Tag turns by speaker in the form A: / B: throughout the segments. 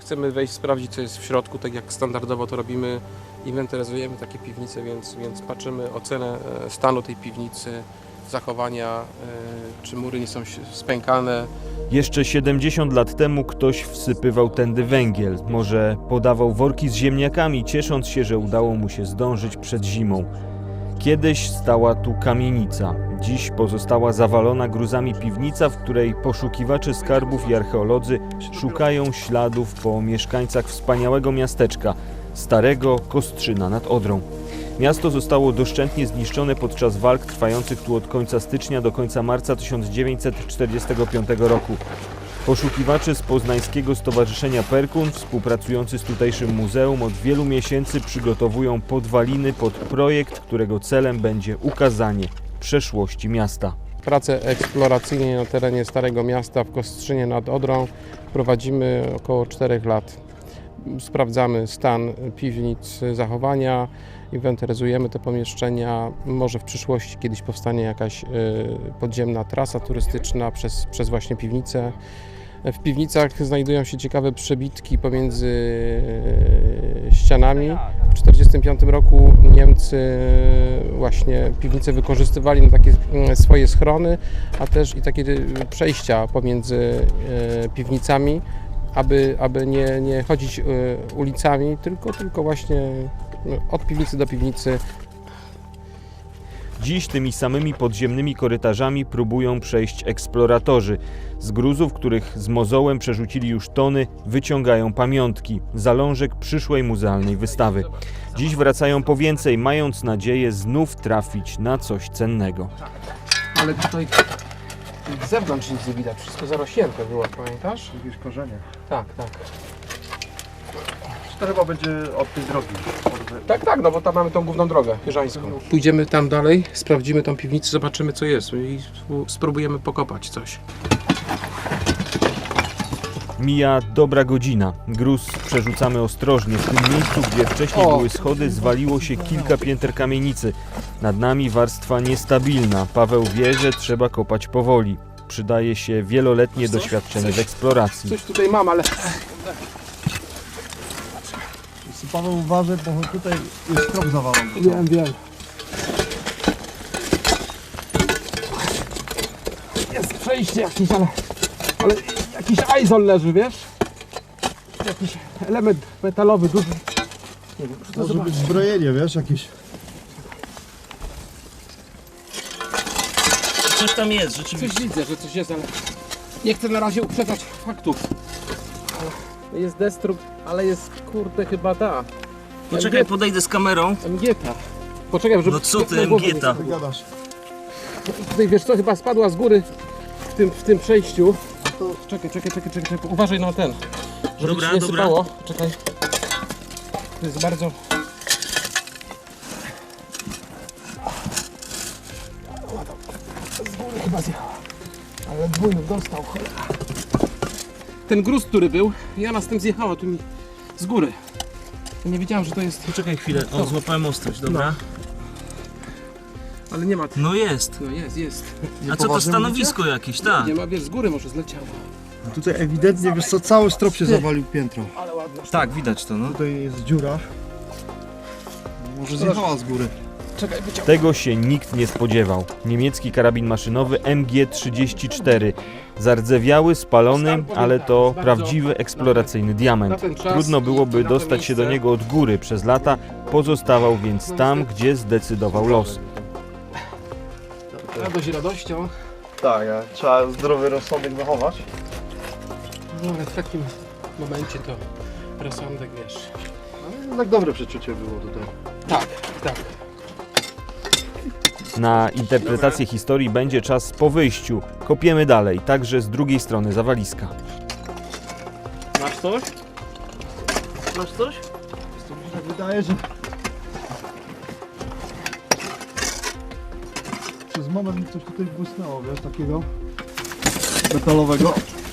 A: chcemy wejść, sprawdzić, co jest w środku, tak jak standardowo to robimy, inwentaryzujemy takie piwnice, więc patrzymy ocenę stanu tej piwnicy, zachowania, czy mury nie są spękane.
B: Jeszcze 70 lat temu ktoś wsypywał tędy węgiel, może podawał worki z ziemniakami, ciesząc się, że udało mu się zdążyć przed zimą. Kiedyś stała tu kamienica, dziś pozostała zawalona gruzami piwnica, w której poszukiwacze skarbów i archeolodzy szukają śladów po mieszkańcach wspaniałego miasteczka, starego Kostrzyna nad Odrą. Miasto zostało doszczętnie zniszczone podczas walk trwających tu od końca stycznia do końca marca 1945 roku. Poszukiwacze z poznańskiego Stowarzyszenia Perkun, współpracujący z tutejszym muzeum, od wielu miesięcy przygotowują podwaliny pod projekt, którego celem będzie ukazanie przeszłości miasta.
A: Prace eksploracyjne na terenie Starego Miasta w Kostrzynie nad Odrą prowadzimy około 4 lat. Sprawdzamy stan piwnic, zachowania, inwentaryzujemy te pomieszczenia. Może w przyszłości kiedyś powstanie jakaś podziemna trasa turystyczna przez właśnie piwnice. W piwnicach znajdują się ciekawe przebitki pomiędzy ścianami. W 1945 roku Niemcy właśnie piwnice wykorzystywali na takie swoje schrony, a też i takie przejścia pomiędzy piwnicami, aby nie chodzić ulicami, tylko właśnie od piwnicy do piwnicy.
B: Dziś tymi samymi podziemnymi korytarzami próbują przejść eksploratorzy. Z gruzów, których z mozołem przerzucili już tony, wyciągają pamiątki, zalążek przyszłej muzealnej wystawy. Dziś wracają po więcej, mając nadzieję znów trafić na coś cennego.
A: Ale tutaj z zewnątrz nic nie widać, wszystko zarośnięte było, pamiętasz?
C: Jakieś korzenie.
A: Tak.
C: To chyba będzie od tej drogi.
A: Tak, no bo tam mamy tą główną drogę jeżańską. Pójdziemy tam dalej, sprawdzimy tą piwnicę, zobaczymy co jest i spróbujemy pokopać coś.
B: Mija dobra godzina. Gruz przerzucamy ostrożnie. W tym miejscu, gdzie wcześniej były schody, zwaliło się kilka pięter kamienicy. Nad nami warstwa niestabilna. Paweł wie, że trzeba kopać powoli. Przydaje się wieloletnie doświadczenie w eksploracji.
A: Coś tutaj mam, ale...
C: Paweł uważaj, bo tutaj jest krok zawalony.
A: Wiem. Jest przejście jakieś, ale jakiś aizol leży, wiesz? Jakiś element metalowy, duży. Nie wiem, to
C: Może być zbrojenie, wiesz, jakieś.
D: Coś tam jest, rzeczywiście.
A: Coś widzę, że coś jest, ale nie chcę na razie uprzedzać faktów. Jest destrukt, ale jest kurde chyba ta.
D: Poczekaj, podejdę z kamerą.
A: MG-ta. Poczekaj, żeby...
D: No co ty, MG-ta?
C: Gadasz.
A: Tutaj wiesz co, chyba spadła z góry w tym przejściu. Czekaj. Uważaj na ten. Żeby
D: Dobra,
A: ci nie
D: dobra.
A: sypało. Czekaj. To jest bardzo... Z góry chyba zjechała. Ale dwójny dostał, cholera. Ten gruz, który był, ja na z tym zjechała tu mi z góry. Ja nie wiedziałem, że to jest...
D: Poczekaj chwilę, o, złapałem ostrość, dobra.
A: Ale nie ma...
D: No jest.
A: No jest.
D: A co to stanowisko jakieś, tak?
A: Nie ma, wiesz, z góry może zleciało.
C: Tutaj ewidentnie, wiesz co, cały strop się zawalił piętro.
A: Ale ładna.
D: Tak, widać to, no.
C: Tutaj jest dziura. Może zjechała z góry.
A: Czekaj, wyciągnę.
B: Tego się nikt nie spodziewał. Niemiecki karabin maszynowy MG34. Zardzewiały, spalony, ale to prawdziwy eksploracyjny diament. Trudno byłoby dostać się do niego od góry. Przez lata pozostawał więc tam, gdzie zdecydował los.
A: Radość radością,
C: Tak, trzeba zdrowy rozsądek zachować.
A: no ale w takim momencie to rozsądek, wiesz.
C: Ale tak dobre przeczucie było tutaj.
A: Tak.
B: Na interpretację historii będzie czas po wyjściu. Kopiemy dalej, także z drugiej strony zawaliska.
D: Masz coś? Masz coś?
C: Mi się wydaje, że przez moment mi coś tutaj błysnęło, wiesz, takiego metalowego.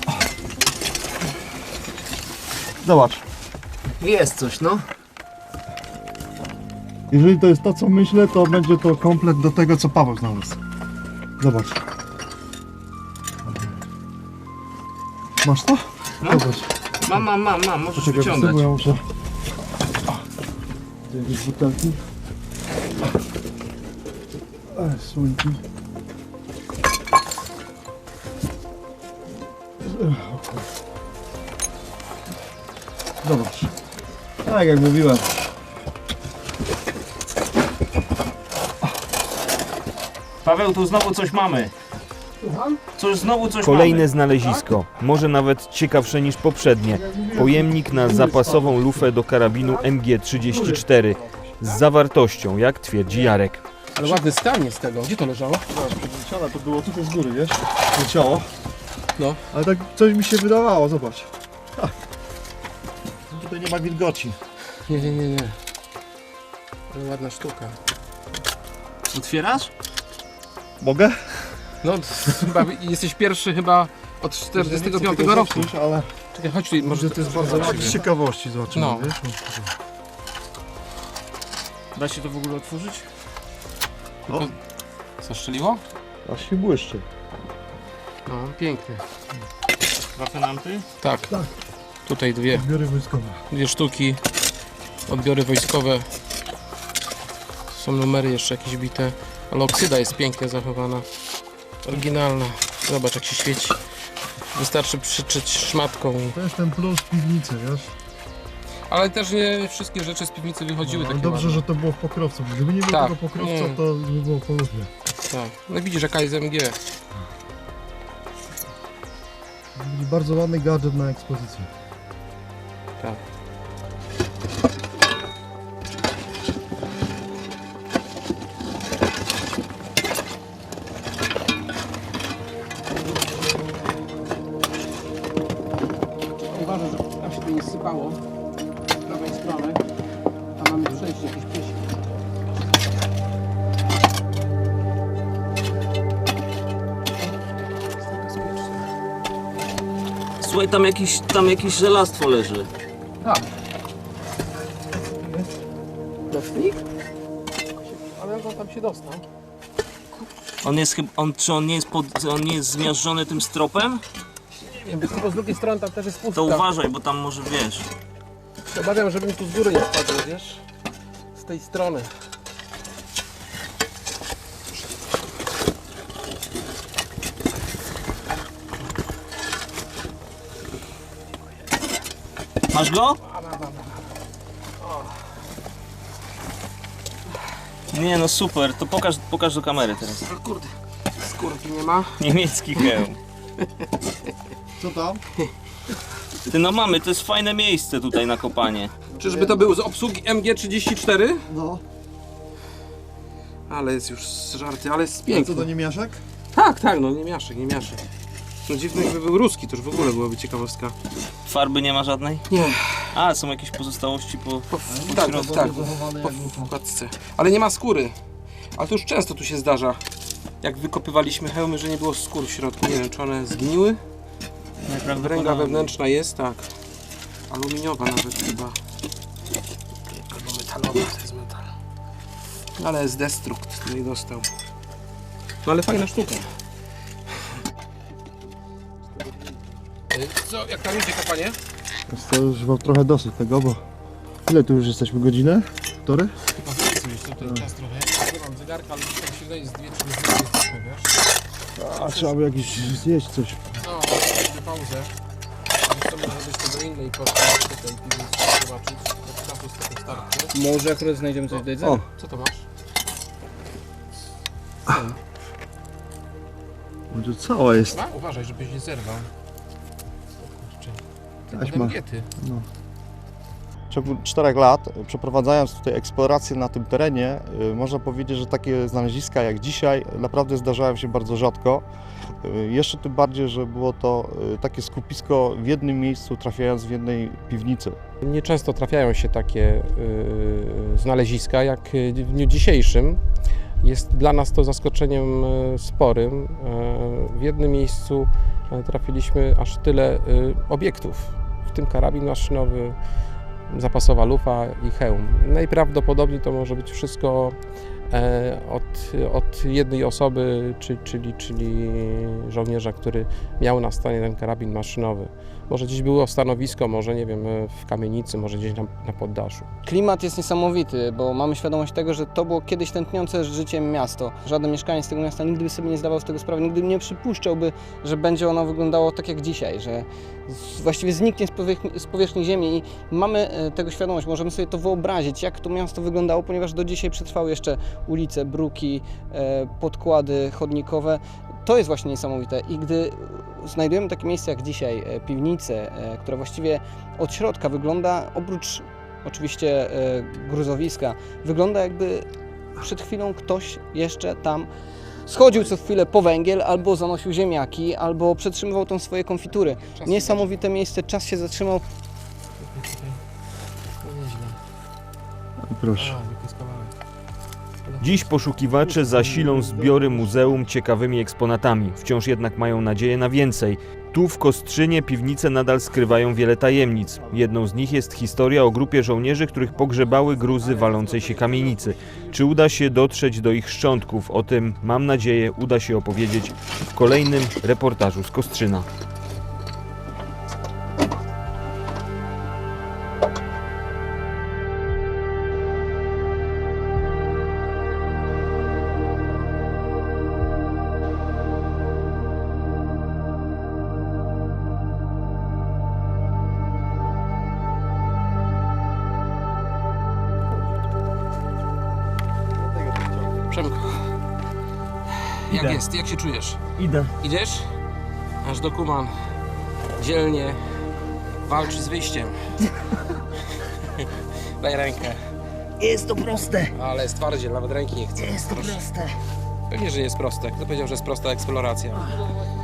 C: Zobacz.
D: Jest coś, no.
C: Jeżeli to jest to, co myślę, to będzie to komplet do tego, co Paweł znalazł. Zobacz. Masz to?
D: No.
C: Zobacz.
D: Mam, możesz
C: Poczekaj,
D: wyciągać.
C: bo ja muszę... Gdzie jakieś butelki? Słońki. Zobacz. Tak jak mówiłem.
D: Paweł, tu znowu coś mamy. Znowu coś
B: Kolejne
D: mamy.
B: znalezisko, może nawet ciekawsze niż poprzednie. Pojemnik na zapasową lufę do karabinu MG34 z zawartością, jak twierdzi Jarek.
A: Ale ładny stan jest tego. Gdzie to leżało?
C: Przedleciana to było tutaj z góry, wiesz? Leciało.
A: No.
C: Ale tak coś mi się wydawało, zobacz. Ha. Tutaj nie ma wilgoci.
A: Nie. Ale ładna sztuka.
D: Otwierasz?
C: Mogę?
A: No, chyba jesteś pierwszy chyba od 45 roku.
C: Ale
A: Czekaj, chodź tu, może to jest bardzo
C: tak z ciekawości zobaczymy,
A: No.
C: wiesz?
D: Da się to w ogóle otworzyć?
C: O,
A: Zastrzeliło?
C: aż się błyszczy.
A: No, pięknie.
D: Wafenanty?
A: Tak.
C: Tak.
A: Tutaj
C: Zbiory wojskowe.
A: dwie sztuki. Odbiory wojskowe. Są numery jeszcze jakieś bite. Ale oksyda jest pięknie zachowana. Oryginalna. Zobacz jak się świeci. Wystarczy przyczyć szmatką.
C: To jest ten plus piwnicy, wiesz?
A: Ale też nie wszystkie rzeczy z piwnicy wychodziły
C: No,
A: takie
C: dobrze,
A: ładne.
C: że to było w pokrowcu. Gdyby nie było
A: Tak,
C: tego pokrowca,
A: nie.
C: to by było po lufie.
A: Tak. No widzisz jaka jest MG.
C: Bardzo ładny gadżet na ekspozycję.
A: Tak. Uważaj, że tam się to nie sypało z prawej strony. Tam mamy przejście, jakieś przejście. Jest to bezpieczne.
D: Słuchaj, tam jakieś żelastwo leży.
A: Tak. Nocnik? Ale jak on tam się dostał?
D: Czy on nie jest zmiażdżony tym stropem?
A: Nie wiem, tylko z drugiej strony tam też jest pustka.
D: To uważaj, bo tam może wiesz.
A: Obawiam, żebym tu z góry nie spadł, wiesz? Z tej strony.
D: Masz go? Nie no super, to pokaż do kamery teraz.
A: O kurde, skórki nie ma.
D: Niemiecki hełm.
C: Co tam?
D: Ty no mamy, to jest fajne miejsce tutaj na kopanie.
A: Czyżby to był z obsługi MG34?
C: No.
A: Ale jest już z żarty, ale jest
C: Co
A: piękny.
C: to niemiaszek?
A: Tak, no nie miaszek. No dziwny jakby był ruski, to już w ogóle byłaby ciekawostka.
D: Farby nie ma żadnej?
A: Nie,
D: A, są jakieś pozostałości po...
A: tak,
D: środku.
A: tak,
C: Zachowany
A: po
C: jak był tam.
A: wkładce. Ale nie ma skóry. Ale to już często tu się zdarza. Jak wykopywaliśmy hełmy, że nie było skór w środku. Nie wiem, czy one zgniły. Wręga wewnętrzna jest, tak. Aluminiowa nawet chyba. Albo metalowa, to jest metal. Ale jest destrukt, nie dostał. No ale fajna sztuka. Co, jak tam idzie kopanie?
C: Jest to już mam trochę dosyć tego, bo... Ile tu już jesteśmy? Godzinę? Półtorej?
A: Chyba więcej już tutaj czas trochę. Nie mam zegarka, ale tam się wydaje z 2-3 minuty jesteśmy, wiesz?
C: A trzeba by jakieś zjeść coś.
A: No, zrobimy pauzę. Jeszcze może być to do innej porcji tutaj piwnicy zobaczyć. Bo czasu z tego starczy.
D: Może akurat znajdziemy coś do jedzenia?
C: O,
A: Co to masz?
C: będzie cała jest.
A: A, uważaj, żebyś nie zerwał. O kurczę.
C: Taśma.
A: Angiety.
C: W ciągu 4 lat, przeprowadzając tutaj eksplorację na tym terenie, można powiedzieć, że takie znaleziska jak dzisiaj naprawdę zdarzają się bardzo rzadko. Jeszcze tym bardziej, że było to takie skupisko w jednym miejscu, trafiając w jednej piwnicy.
A: Nieczęsto trafiają się takie znaleziska jak w dniu dzisiejszym. Jest dla nas to zaskoczeniem sporym. W jednym miejscu trafiliśmy aż tyle obiektów, w tym karabin maszynowy, zapasowa lufa i hełm. Najprawdopodobniej to może być wszystko od jednej osoby, czyli żołnierza, który miał na stanie ten karabin maszynowy. Może gdzieś było stanowisko, może nie wiem, w kamienicy, może gdzieś na poddaszu.
E: Klimat jest niesamowity, bo mamy świadomość tego, że to było kiedyś tętniące życiem miasto. Żaden mieszkaniec tego miasta nigdy by sobie nie zdawał z tego sprawy, nigdy nie przypuszczałby, że będzie ono wyglądało tak jak dzisiaj, że właściwie zniknie z powierzchni ziemi i mamy tego świadomość, możemy sobie to wyobrazić, jak to miasto wyglądało, ponieważ do dzisiaj przetrwały jeszcze ulice, bruki, podkłady chodnikowe. To jest właśnie niesamowite i gdy znajdujemy takie miejsce jak dzisiaj, piwnicę, która właściwie od środka wygląda, oprócz oczywiście gruzowiska, wygląda jakby przed chwilą ktoś jeszcze tam schodził co chwilę po węgiel, albo zanosił ziemniaki, albo przetrzymywał tam swoje konfitury. Niesamowite miejsce, czas się zatrzymał.
C: Proszę.
B: Dziś poszukiwacze zasilą zbiory muzeum ciekawymi eksponatami. Wciąż jednak mają nadzieję na więcej. Tu w Kostrzynie piwnice nadal skrywają wiele tajemnic. Jedną z nich jest historia o grupie żołnierzy, których pogrzebały gruzy walącej się kamienicy. Czy uda się dotrzeć do ich szczątków? O tym, mam nadzieję, uda się opowiedzieć w kolejnym reportażu z Kostrzyna.
F: Przemku, jak
D: Idę.
F: jest? Jak się czujesz?
D: Idę.
F: Idziesz? Aż dokuman dzielnie walczy z wyjściem. Daj rękę.
G: Jest to proste,
F: Ale jest twardziel, nawet ręki nie chce.
G: jest to proste.
F: Pewnie, że jest proste. Kto powiedział, że jest prosta eksploracja?